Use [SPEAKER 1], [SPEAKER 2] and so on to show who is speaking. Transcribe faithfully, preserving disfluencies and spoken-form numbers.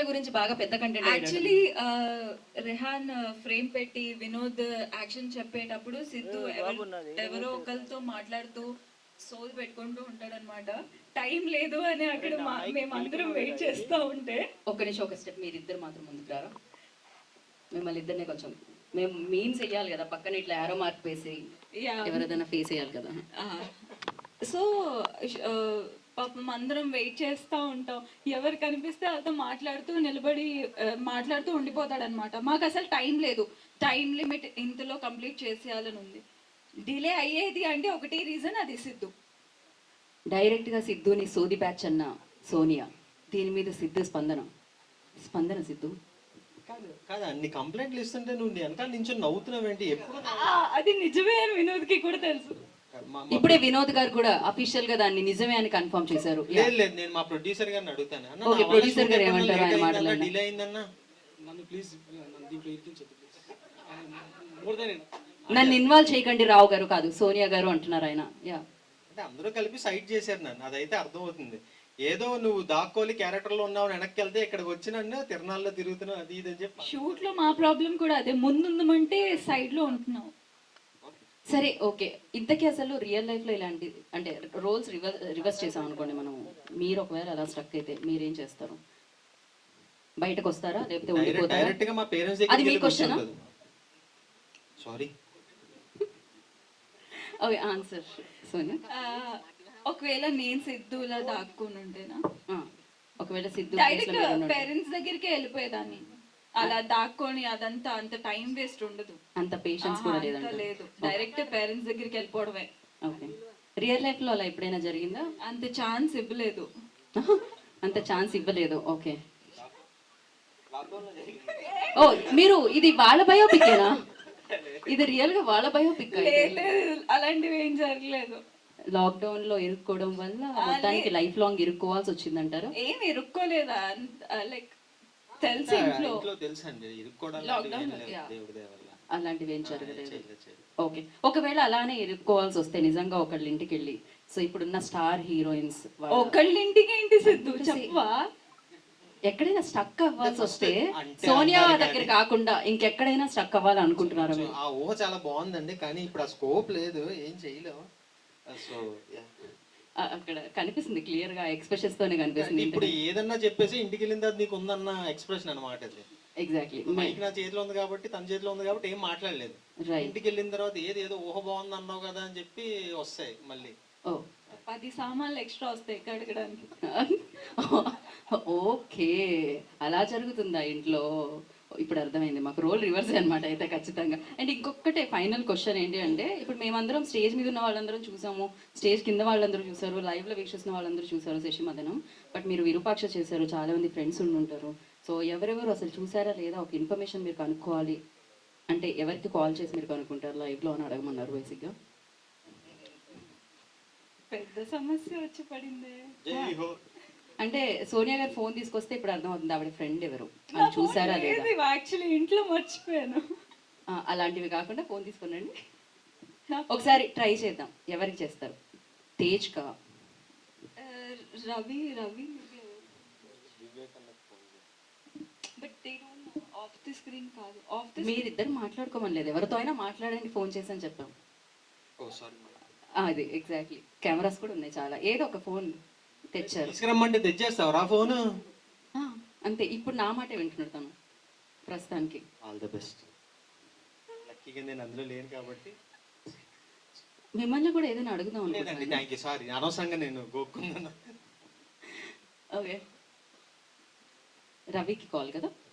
[SPEAKER 1] గురించి బాగా పెద్ద కంటెంట్
[SPEAKER 2] యాక్చువల్లీ రెహాన్ ఫ్రేమ్ పెట్టి వినోద్ యాక్షన్ చెప్పేటప్పుడు సిద్ధు ఎవరు ఎవరో ఒకరితో మాట్లాడుతూ సోల్ పెట్టుకుంటూ ఉంటాడనమాట. టైం లేదు అని అక్కడ మేమందరం వెయిట్ చేస్తూ ఉంటే
[SPEAKER 1] ఒక్క నిమిషం ఒక స్టెప్ మీరిద్దరు మాత్రం ముందుకు రారా, మిమ్మల్ని ఇద్దరినే కొంచెం మేము మీమ్స్ వేయాలి కదా పక్కన ఇట్లా యారో మార్క్ వేసి ఎవరిదైనా ఫేస్ వేయాలి కదా.
[SPEAKER 2] సో పాపం అందరం వెయిట్ చేస్తూ ఉంటాం. ఎవరు కనిపిస్తే వాళ్ళతో మాట్లాడుతూ నిలబడి మాట్లాడుతూ ఉండిపోతాడనమాట. మాకు అసలు టైం లేదు, టైం లిమిట్ ఇంతలో కంప్లీట్ చేసేయాలని ఉంది. డిలే అయ్యేది అంటే ఒకటి రీజన్, అది సిద్ధు.
[SPEAKER 1] డైరెక్ట్గా సిద్ధుని సోది బ్యాచ్ అన్న సోనియా, దీని మీద సిద్ధు స్పందన స్పందన సిద్ధు
[SPEAKER 3] కాదు కాదు అన్ని కంప్లైంట్లు ఇస్తుంటే నువ్వు వెనకాల నుంచి నవ్వుతున్నావు ఏంటి? ఎప్పుడు
[SPEAKER 2] అది నిజమే అని వినోద్కి కూడా తెలుసు.
[SPEAKER 1] ఇప్పుడే వినోద్ గారు కూడా అఫీషియల్ గా దాన్ని నిజమే అని కన్ఫర్మ్ చేశారు.
[SPEAKER 3] లేదు లేదు, నేను మా ప్రొడ్యూసర్ గారిని అడుగుతాను.
[SPEAKER 1] ఓకే, ప్రొడ్యూసర్ గారు ఏమంటారు ఆయన మాటలు?
[SPEAKER 3] డిలే అయిందన్నా
[SPEAKER 4] నన్ను ప్లీజ్ దీంట్లో ఇరికించొద్దు ప్లీజ్.
[SPEAKER 1] నన్ను ఇన్వాల్వ్ చేయకండి రావు గారు, కాదు సోనియా గారు అంటున్నారు ఆయన. యా
[SPEAKER 3] అంటే అందరూ కలిపి సైట్ చేశారు నన్ను, అదైతే అర్థం అవుతుంది. ఏదో నువ్వు దాక్కోలి క్యారెక్టర్ లో ఉన్నావు, వెనక్కి వెళ్తే ఇక్కడికి వచ్చి నన్ను తిరణాల్లో తిరుగుతున్నావు అది ఇది అని చెప్పి.
[SPEAKER 2] షూట్ లో మా ప్రాబ్లం కూడా అదే, ముందుందమంటే సైడ్ లో ఉంటున్నావు.
[SPEAKER 1] సరే ఓకే, ఇంతకీ అసలు రియల్ లైఫ్ లో ఇలాంటి అంటే రోల్స్ రివర్స్ రివర్స్ చేసాం అనుకోండి మనం, మీరు ఒకవేళ అలా స్ట్రక్ అయితే మీరేం చేస్తారు? బయటకు వస్తారా లేకపోతే ఉండిపోతారా?
[SPEAKER 3] డైరెక్ట్ గా మా పేరెంట్స్
[SPEAKER 1] అది మీ question.
[SPEAKER 3] Sorry
[SPEAKER 1] okay, answer Sonia.
[SPEAKER 2] ఒకవేళ నేను సిద్ధులా దాక్కుని ఉంటేనా,
[SPEAKER 1] ఒకవేళ సిద్ధు
[SPEAKER 2] డైరెక్ట్ పేరెంట్స్ దగ్గరికి వెళ్ళిపోయేదాన్ని. అలా దాక్కొని అదంతా అంత టైం వేస్ట్ ఉండదు,
[SPEAKER 1] అంత పేషెన్స్ కూడా లేదంట.
[SPEAKER 2] లేదు, డైరెక్ట్ పేరెంట్స్ దగ్గరికి వెళ్ళిపోవడమే.
[SPEAKER 1] ఓకే, రియల్ లైఫ్ లో అలా ఎప్పుడైనా జరిగిందా?
[SPEAKER 2] అంత ఛాన్స్ ఇవ్వలేదు.
[SPEAKER 1] అంత ఛాన్స్ ఇవ్వలేదు. ఓకే, ఓ మీరు ఇది వాళ్ళ బయోపిక్కేనా? ఇది రియల్ గా వాళ్ళ బయోపిక్?
[SPEAKER 2] అలాంటివి ఏం జరగలేదు.
[SPEAKER 1] లాక్డౌన్ లో ఇరుక్కోవడం వల్ల మొత్తానికి లైఫ్ లాంగ్ ఇరుక్కోవాల్సి వచ్చిందంటారు?
[SPEAKER 2] ఏం ఇరుక్కోలేదా, లైక్ తెలుసు ఇంట్లో
[SPEAKER 1] అలాంటివి ఏం జరగలేదు. ఓకే, ఒకవేళ అలానే ఇరుక్కోవాల్సి వస్తే నిజంగా ఒకళ్ళ ఇంటికి వెళ్ళి, సో ఇప్పుడున్న స్టార్ హీరోయిన్స్
[SPEAKER 2] ఒకళ్ళ ఇంటికి ఏంటి సిద్ధు చెప్పవా,
[SPEAKER 1] ఎక్కడైనా స్టక్ అవ్వాల్సి వస్తే సోనియా దగ్గర కాకుండా ఇంకెక్కడైనా స్టక్ అవ్వాలి అనుకుంటున్నారా?
[SPEAKER 3] ఆ ఊహ చాలా బాగుందండి, కానీ ఇప్పుడు ఆ స్కోప్ లేదు, ఏం చేయలేము.
[SPEAKER 1] అక్కడ కనిపిస్తుంది క్లియర్ గా, ఎక్స్ప్రెషన్స్ తోనే కనిపిస్తుంది.
[SPEAKER 3] ఇప్పుడు ఏదన్నా చెప్పేసి ఇంటికి వెళ్ళిన తర్వాత నీకు ఉందన్న ఎక్స్ప్రెషన్ అన్నమాట అది.
[SPEAKER 1] ఎగ్జాక్ట్లీ,
[SPEAKER 3] మైక్ నా చేతిలో ఉంది కాబట్టి, తన చేతిలో ఉంది కాబట్టి ఏం మాట్లాడలేదు. ఇంటికి వెళ్ళిన తర్వాత ఏది ఏదో ఊహ బాగుంది అన్నావు కదా అని చెప్పి వస్తాయి మళ్ళీ.
[SPEAKER 1] ఓ
[SPEAKER 2] పది సామాన్లు ఎక్స్ట్రా వస్తాయి కడగడానికి.
[SPEAKER 1] ఓకే, అలా జరుగుతుందా ఇంట్లో? ఇప్పుడు అర్థమైంది, మాకు రోల్ రివర్స్ అనమాట అయితే ఖచ్చితంగా. అండ్ ఇంకొకటే ఫైనల్ క్వశ్చన్ ఏంటి అంటే, ఇప్పుడు మేమందరం స్టేజ్ మీద ఉన్న వాళ్ళందరం చూసాము, స్టేజ్ కింద వాళ్ళందరూ చూసారు, లైవ్లో వీక్షిస్తున్న వాళ్ళందరూ చూసారు శశి మదనం. బట్ మీరు విరూపాక్ష చేశారు, చాలా మంది ఫ్రెండ్స్ ఉండి ఉంటారు. సో ఎవరెవరు అసలు చూసారా లేదా ఒక ఇన్ఫర్మేషన్ మీరు కనుక్కోవాలి అంటే ఎవరికి కాల్ చేసి మీరు కనుక్కుంటారు? లైవ్లో అని అడగమన్నారు బేసిక్గా.
[SPEAKER 2] పెద్ద సమస్య వచ్చి పడింది
[SPEAKER 1] అంటే సోనియా గారు ఫోన్ తీసుకొస్తే ఇప్పుడు అర్థం అవుతుంది ఆవిడ ఫ్రెండ్ ఎవరు అని చూసారా లేదా?
[SPEAKER 2] యాక్చువల్లీ ఇంట్లో మర్చిపోయాను.
[SPEAKER 1] అలాంటివి కాకుండా ఫోన్ తీసుకునండి, ఒకసారి ట్రై చేద్దాం. ఎవరికి చేస్తారు? తేజ్ కా,
[SPEAKER 2] Ravi Ravi but off the screen కాదు, ఆఫ్ ది
[SPEAKER 1] మీరిద్దరు మాట్లాడుకోమని లేదు, ఎవరితో అయినా మాట్లాడండి ఫోన్ చేసి అని చెప్పాం. అది ఎగ్జాక్ట్లీ, కెమెరాస్ కూడా ఉన్నాయి చాలా, ఏదో ఒక ఫోన్ తెచ్చారు.
[SPEAKER 3] తీసుకురమ్మంటే తెచ్చేస్తావరా ఫోన్?
[SPEAKER 1] అంతే, ఇప్పుడు నా మాటే వింటున్నాడు తను ప్రస్తుతానికి.
[SPEAKER 3] All the best. లక్కీగా నేను అందులో లేను కాబట్టి.
[SPEAKER 1] మిమ్మల్ని కూడా ఏదైనా అడుగుదాం
[SPEAKER 3] అనుకుంటున్నాను. థ్యాంక్ యూ, సారీ అనవసరంగా నేను గోక్కున్నాను.
[SPEAKER 1] ఓకే, రవికి కాల్ కదా.